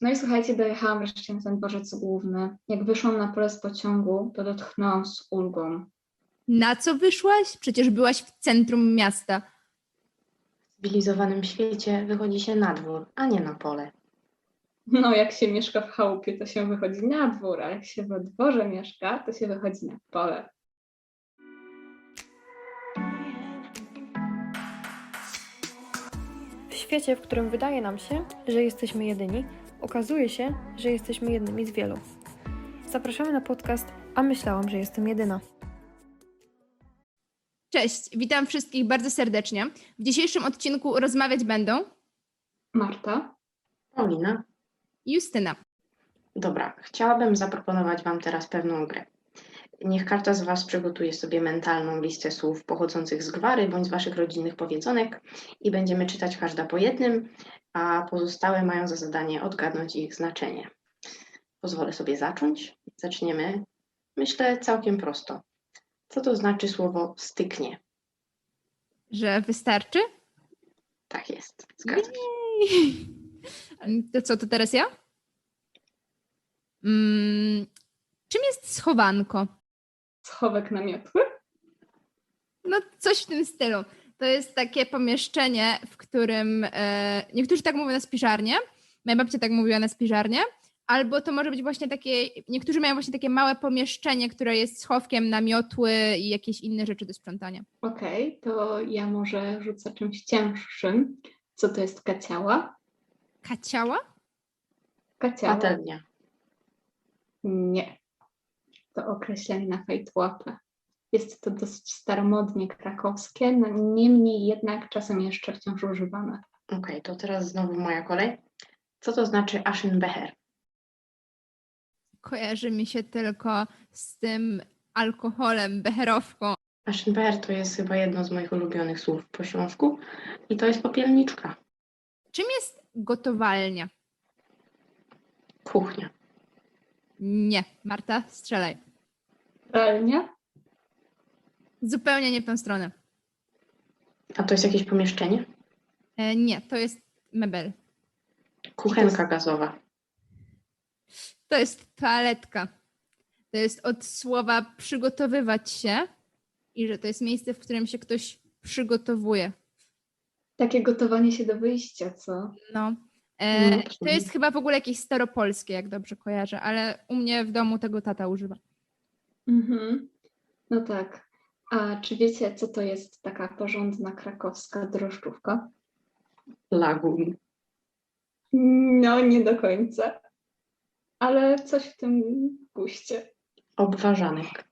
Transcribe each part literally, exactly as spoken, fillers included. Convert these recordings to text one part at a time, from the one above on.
No i słuchajcie, dojechałam wreszcie na ten dworzec główny. Jak wyszłam na pole z pociągu, to odetchnęłam z ulgą. Na co wyszłaś? Przecież byłaś w centrum miasta. W cywilizowanym świecie wychodzi się na dwór, a nie na pole. No, jak się mieszka w chałupie, to się wychodzi na dwór, a jak się we dworze mieszka, to się wychodzi na pole. W świecie, w którym wydaje nam się, że jesteśmy jedyni, okazuje się, że jesteśmy jednymi z wielu. Zapraszamy na podcast A myślałam, że jestem jedyna. Cześć, witam wszystkich bardzo serdecznie. W dzisiejszym odcinku rozmawiać będą Marta? Paulina? i Justyna. Dobra, chciałabym zaproponować Wam teraz pewną grę. Niech każda z Was przygotuje sobie mentalną listę słów pochodzących z gwary bądź z Waszych rodzinnych powiedzonek i będziemy czytać każda po jednym, a pozostałe mają za zadanie odgadnąć ich znaczenie. Pozwolę sobie zacząć. Zaczniemy, myślę, całkiem prosto. Co to znaczy słowo styknie? Że wystarczy? Tak jest, zgadzam się. Jej. To co, to teraz ja? Mm, czym jest schowanko? Schowek na miotły? No coś w tym stylu. To jest takie pomieszczenie, w którym e, niektórzy tak mówią na spiżarnię, moja babcia tak mówiła na spiżarnię, albo to może być właśnie takie, niektórzy mają właśnie takie małe pomieszczenie, które jest schowkiem na miotły i jakieś inne rzeczy do sprzątania. Okej, to ja może rzucę czymś cięższym. Co to jest kaciała? Kaciała? Kaciała? Patelnia. Nie. To określenie na fejtłapę. Jest to dosyć staromodnie krakowskie, no niemniej jednak czasem jeszcze wciąż używane. Okej, to teraz znowu moja kolej. Co to znaczy Aschenbecher? Kojarzy mi się tylko z tym alkoholem, becherowką. Aschenbecher to jest chyba jedno z moich ulubionych słów po śląsku i to jest popielniczka. Czym jest gotowalnia? Kuchnia. Nie, Marta, strzelaj. Pralnia? Zupełnie nie w tą stronę. A to jest jakieś pomieszczenie? E, nie, to jest mebel. Kuchenka gazowa. To jest toaletka. To jest od słowa przygotowywać się i że to jest miejsce, w którym się ktoś przygotowuje. Takie gotowanie się do wyjścia, co? No. E, No, to jest chyba w ogóle jakieś staropolskie, jak dobrze kojarzę, ale u mnie w domu tego tata używa. Mhm. No tak. A czy wiecie, co to jest taka porządna krakowska drożdżówka? Lagun. No, nie do końca. Ale coś w tym guście. Obwarzanek.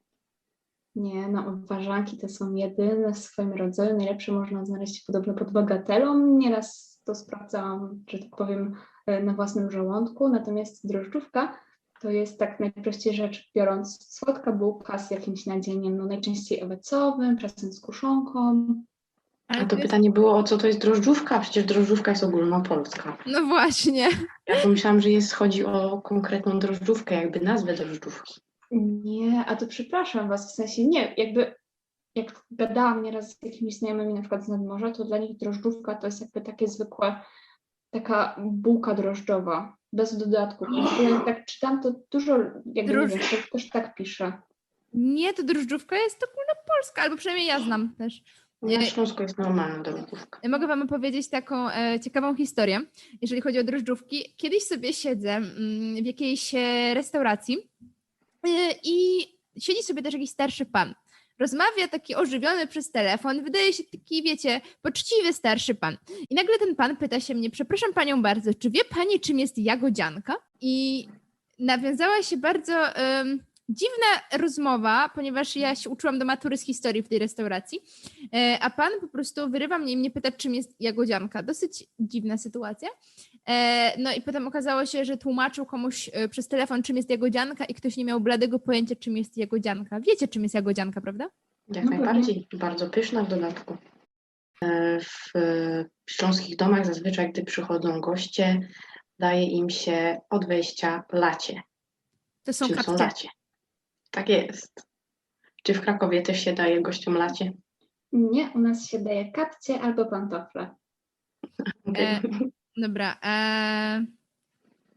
Nie, no obwarzanki to są jedyne w swoim rodzaju. Najlepsze można znaleźć podobno pod bagatelą. Nieraz to sprawdzałam, że tak powiem, na własnym żołądku. Natomiast drożdżówka to jest tak najprościej rzecz biorąc słodka bułka z jakimś nadzieniem, no najczęściej owocowym, czasem z kuszonką. Ale A to jest- pytanie było, o co to jest drożdżówka? Przecież drożdżówka jest ogólnopolska. No właśnie. Ja pomyślałam, że jest, chodzi o konkretną drożdżówkę, jakby nazwę drożdżówki. Nie, a to przepraszam was, w sensie nie, jakby jak gadałam nieraz z jakimiś znajomymi na przykład z nadmorza, to dla nich drożdżówka to jest jakby takie zwykłe, taka bułka drożdżowa, bez dodatków. Ja jak tak czytam, to dużo, jakby Droż- nie wiem, to też tak pisze. Nie, to drożdżówka jest ogólnopolska, albo przynajmniej ja znam też. Na Nie. Śląsku jest normalna drożdżówka. Mogę wam opowiedzieć taką e, ciekawą historię, jeżeli chodzi o drożdżówki. Kiedyś sobie siedzę mm, w jakiejś e, restauracji e, i siedzi sobie też jakiś starszy pan. Rozmawia taki ożywiony przez telefon, wydaje się taki, wiecie, poczciwy starszy pan. I nagle ten pan pyta się mnie, przepraszam panią bardzo, czy wie pani, czym jest jagodzianka? I nawiązała się bardzo em, dziwna rozmowa, ponieważ ja się uczyłam do matury z historii w tej restauracji, e, a pan po prostu wyrywa mnie i mnie pyta, czym jest jagodzianka. Dosyć dziwna sytuacja. E, no i potem okazało się, że tłumaczył komuś e, przez telefon, czym jest jagodzianka i ktoś nie miał bladego pojęcia, czym jest jagodzianka. Wiecie, czym jest jagodzianka, prawda? Jak No najbardziej. Bardzo pyszna w dodatku. E, W e, śląskich domach zazwyczaj, gdy przychodzą goście, daje im się od wejścia lacie. To są Czym są kapcie. lacie? Tak jest. Czy w Krakowie też się daje gościom lacie? Nie, u nas się daje kapcie albo pantofle. Okej. E, Dobra. E,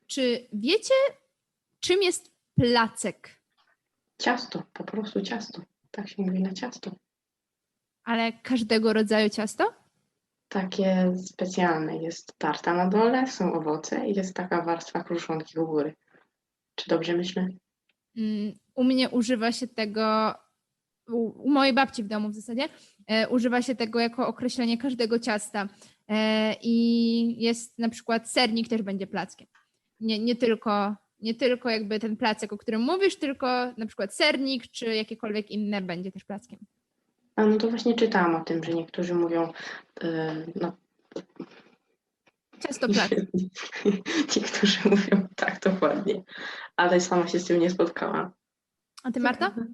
Czy wiecie, czym jest placek? Ciasto, po prostu ciasto. Tak się mówi na ciasto. Ale każdego rodzaju ciasto? Takie specjalne. Jest tarta na dole, są owoce i jest taka warstwa kruszonki u góry. Czy dobrze myślę? Mm, U mnie używa się tego, u, u mojej babci w domu w zasadzie, e, używa się tego jako określenie każdego ciasta. E, I jest na przykład sernik też będzie plackiem. Nie, nie, tylko, nie tylko jakby ten placek, o którym mówisz, tylko na przykład sernik czy jakiekolwiek inne będzie też plackiem. A no to właśnie czytałam o tym, że niektórzy mówią, yy, no Ciasto placek. niektórzy mówią tak dokładnie, ale sama się z tym nie spotkałam. A ty, Marta? Ciekawe.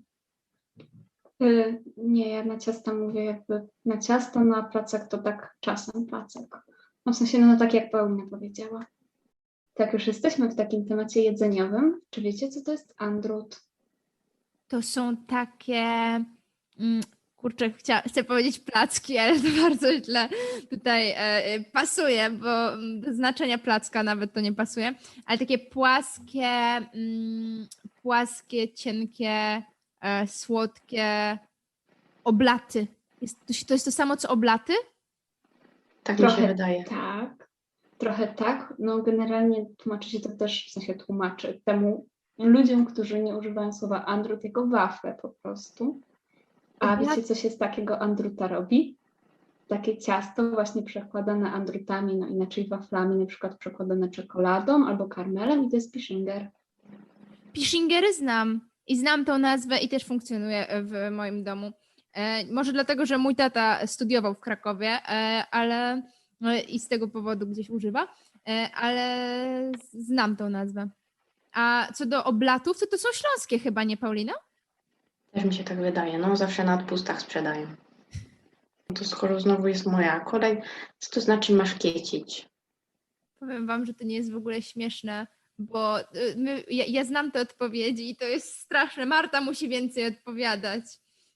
Y, Nie, ja na ciasta mówię jakby na ciasto, na placek to tak czasem placek. No w sensie, no tak jak Paulina powiedziała. Tak, już jesteśmy w takim temacie jedzeniowym. Czy wiecie, co to jest andrut? To są takie, mm, kurczę, chcia, chcę powiedzieć placki, ale to bardzo źle tutaj e, e, pasuje, bo mm, do znaczenia placka nawet to nie pasuje, ale takie płaskie, mm, płaskie, cienkie, e, słodkie oblaty. Jest, to, się- to jest to samo, co oblaty? Tak mi się Trochę wydaje. tak, trochę tak. No generalnie tłumaczy się to też, w sensie tłumaczy temu ludziom, którzy nie używają słowa andrut jako wafle po prostu. A Oblat- wiecie, co się z takiego andruta robi? Takie ciasto właśnie przekładane andrutami, no inaczej waflami, na przykład przekładane czekoladą albo karmelem i to jest pishinger. Pishingery znam i znam tą nazwę i też funkcjonuje w moim domu. E, może dlatego, że mój tata studiował w Krakowie, e, ale e, i z tego powodu gdzieś używa, e, ale znam tą nazwę. A co do oblatów, to to są śląskie chyba, nie Paulina? Też mi się tak wydaje. No zawsze na odpustach sprzedają. No to skoro znowu jest moja kolej, co to znaczy maszkiecić? Powiem wam, że to nie jest w ogóle śmieszne, bo y, my, ja, ja znam te odpowiedzi i to jest straszne. Marta musi więcej odpowiadać.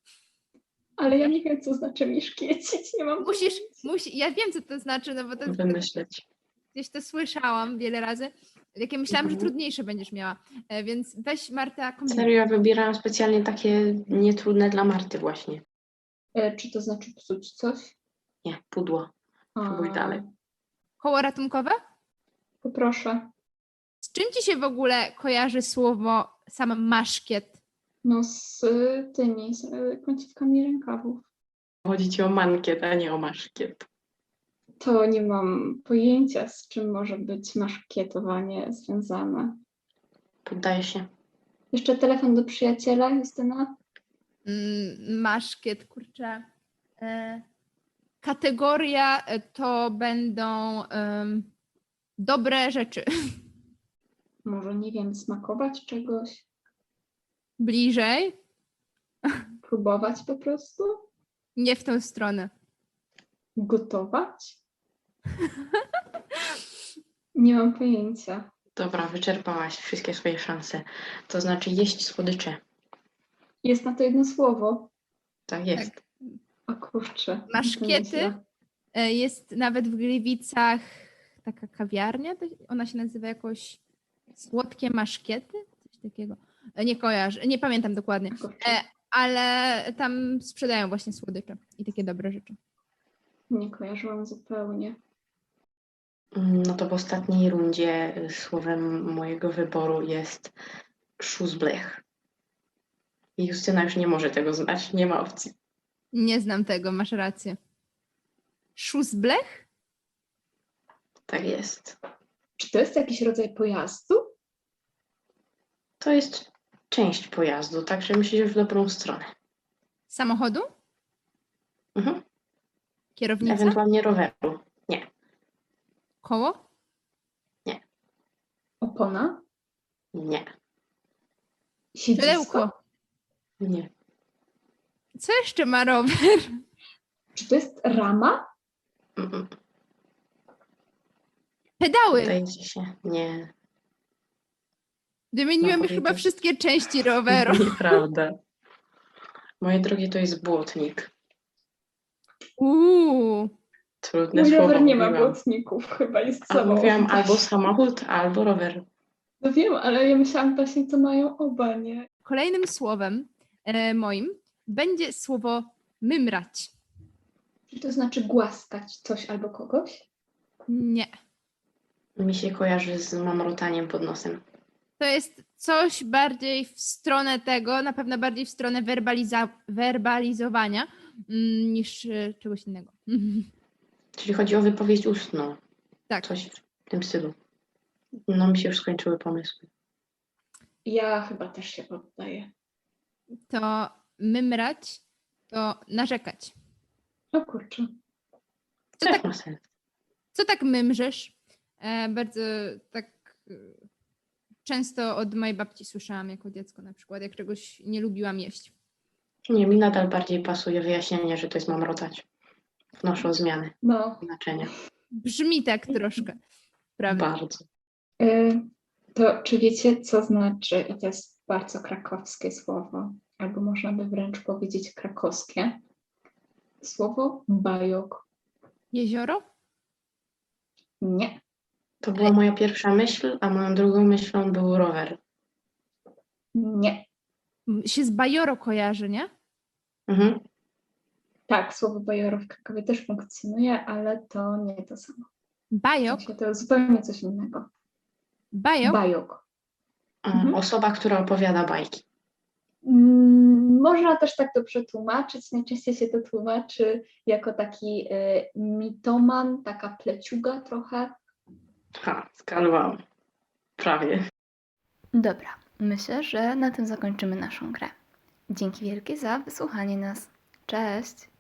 Ale ja nie wiem, co znaczy mi szkiecić, nie mam Musisz, musi, ja wiem, co to znaczy, no bo to, to Wymyśleć. gdzieś to słyszałam wiele razy. Jakie myślałam, że Mhm. trudniejsze będziesz miała. E, Więc weź Marta kombinuj. Serio, ja wybierałam specjalnie takie nietrudne dla Marty właśnie. E, Czy to znaczy psuć coś? Nie, pudło. Próbuj A, dalej. Koło ratunkowe? Poproszę. Z czym ci się w ogóle kojarzy słowo sam maszkiet? No z y, tymi, z y, końcówkami rękawów. Chodzi ci o mankiet, a nie o maszkiet. To nie mam pojęcia, z czym może być maszkietowanie związane. Poddaję się. Jeszcze telefon do przyjaciela, Justyna? Mm, Maszkiet, kurczę. E, Kategoria e, to będą em, dobre rzeczy. Może, nie wiem, smakować czegoś? Bliżej, Próbować po prostu? nie w tą stronę. Gotować? Nie mam pojęcia. Dobra, wyczerpałaś wszystkie swoje szanse. To znaczy jeść słodycze. Jest na to jedno słowo. Tak jest. O kurczę. to Maszkiety? nieźle. E, Jest nawet w Gliwicach taka kawiarnia, to- ona się nazywa jakoś Słodkie Maszkiety? Coś takiego. E, Nie kojarzę, nie pamiętam dokładnie, Kurczę. E, ale tam sprzedają właśnie słodycze i takie dobre rzeczy. Nie kojarzyłam zupełnie. Mm, No to w ostatniej rundzie y, słowem mojego wyboru jest szuzblech. I Justyna już nie może tego znać, nie ma opcji. Nie znam tego, masz rację. Szuzblech? Tak jest. Czy to jest jakiś rodzaj pojazdu? To jest część pojazdu, także myślisz w dobrą stronę. Samochodu? Mhm. Kierownica? Ewentualnie roweru. Nie, Koło? Opona? nie, Siedzisko? Pudełko. nie. Co jeszcze ma rower? Czy to jest rama? Mm, Pedały. Wydaje ci się, nie. Wymieniłem No, już chyba powiedzieć. wszystkie części roweru. Nieprawda. Moje drogie, to jest błotnik. Uuu. Trudne Mój słowo rower nie ma mówiłam. błotników, chyba jest A sobą. mówiłam albo samochód, albo rower. No wiem, ale ja myślałam właśnie, co mają oba, nie? Kolejnym słowem e, moim będzie słowo mymrać. Czy to znaczy głaskać coś albo kogoś? Nie. Mi się kojarzy z mamrotaniem pod nosem. To jest coś bardziej w stronę tego, na pewno bardziej w stronę werbaliza- werbalizowania mm, niż e, czegoś innego. Czyli chodzi o wypowiedź ustną. Tak. Coś w tym stylu. No mi się już skończyły pomysły. Ja chyba też się poddaję. To mymrać to narzekać. O kurczę. Co Też tak, ma sens. co tak mymrzysz? E, bardzo tak e, często od mojej babci słyszałam jako dziecko na przykład, jak czegoś nie lubiłam jeść. Nie, mi nadal bardziej pasuje wyjaśnienie, że to jest mamrotać. Wnoszę o zmianę No. znaczenia. Brzmi tak troszkę, prawda? Bardzo. Y, To czy wiecie, co znaczy, i to jest bardzo krakowskie słowo, albo można by wręcz powiedzieć krakowskie, słowo bajok? Jezioro? Nie. To była moja pierwsza myśl, a moją drugą myślą był rower. Nie. M- Się z bajoro kojarzy, nie? Mhm. Tak, słowo bajoro w Krakowie też funkcjonuje, ale to nie to samo. W Bajok? sensie to zupełnie coś innego. Bajok? Bajok. A, Mhm. Osoba, która opowiada bajki. Mm, Można też tak to przetłumaczyć. Najczęściej się to tłumaczy jako taki y, mitoman, taka pleciuga trochę. Ha, skalowałam. Prawie. Dobra, myślę, że na tym zakończymy naszą grę. Dzięki wielkie za wysłuchanie nas. Cześć!